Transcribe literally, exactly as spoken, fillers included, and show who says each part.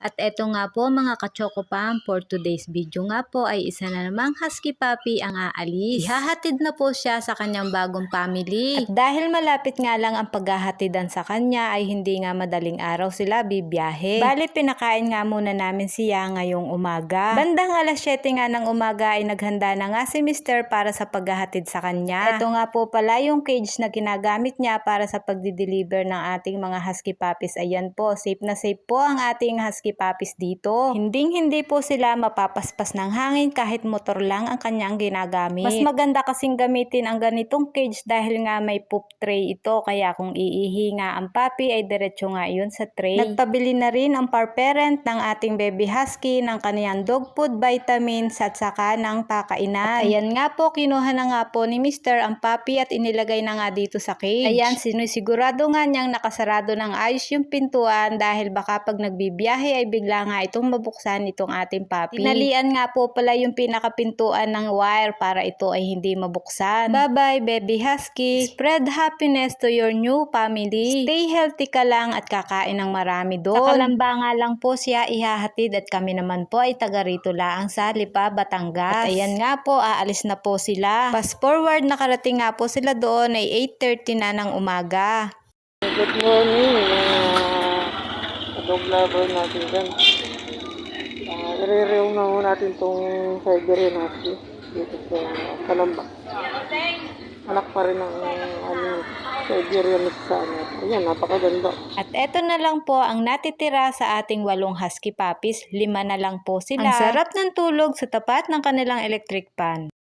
Speaker 1: At eto nga po mga ka-Chocopam, for today's video nga po ay isa na namang husky puppy ang aalis. Ihahatid na po siya sa kanyang bagong family. At dahil malapit nga lang ang paghahatidan sa kanya ay hindi nga madaling araw sila bibiyahe. Bali pinakain nga muna namin siya ngayong umaga. Bandang alas siyete nga ng umaga ay naghanda na nga si mister para sa paghahatid sa kanya. Ito nga po pala yung cage na ginagamit niya para sa pagdi-deliver ng ating mga husky puppies. Ayan po, safe na safe po ang ating husky puppies dito. Hinding hindi po sila mapapaspas ng hangin kahit motor lang ang kanyang ginagamit. Mas maganda kasing gamitin ang ganitong cage dahil nga may poop tray ito, kaya kung iihi nga ang puppy ay diretso nga yun sa tray. Nagpabili na rin ang par parent ng ating baby husky ng kaniyang dog food, vitamins at saka ng pakainan. At ayan nga po, kinuha na nga po ni mister ang puppy at inilagay na nga dito sa cage. Ayan, sinisigurado nga niyang nakasarado ng ayos yung pintuan dahil baka pag nagbibiyahe ay bigla nga itong mabuksan itong ating puppy. Tinalian nga po pala yung pinakapintuan ng wire para ito ay hindi mabuksan. Bye bye baby husky. Spread happiness to your new family. Stay healthy ka lang at kakain ng marami doon. Sa Kalamba nga lang po siya ihahatid at kami naman po ay taga rito lang sa Lipa, Batangas. At ayan nga po, aalis na po sila. Fast forward, nakarating nga po sila doon ay eight thirty na ng umaga.
Speaker 2: Good morning mga dog lover natin dyan. Uh, i-re-rew na mo natin itong Siberian Husky dito sa Kalamba. Anak pa rin ng ano, Siberian sa ano. Ayan, napakaganda.
Speaker 1: At eto na lang po ang natitira sa ating walong husky puppies. Lima na lang po sila. Ang sarap ng tulog sa tapat ng kanilang electric fan.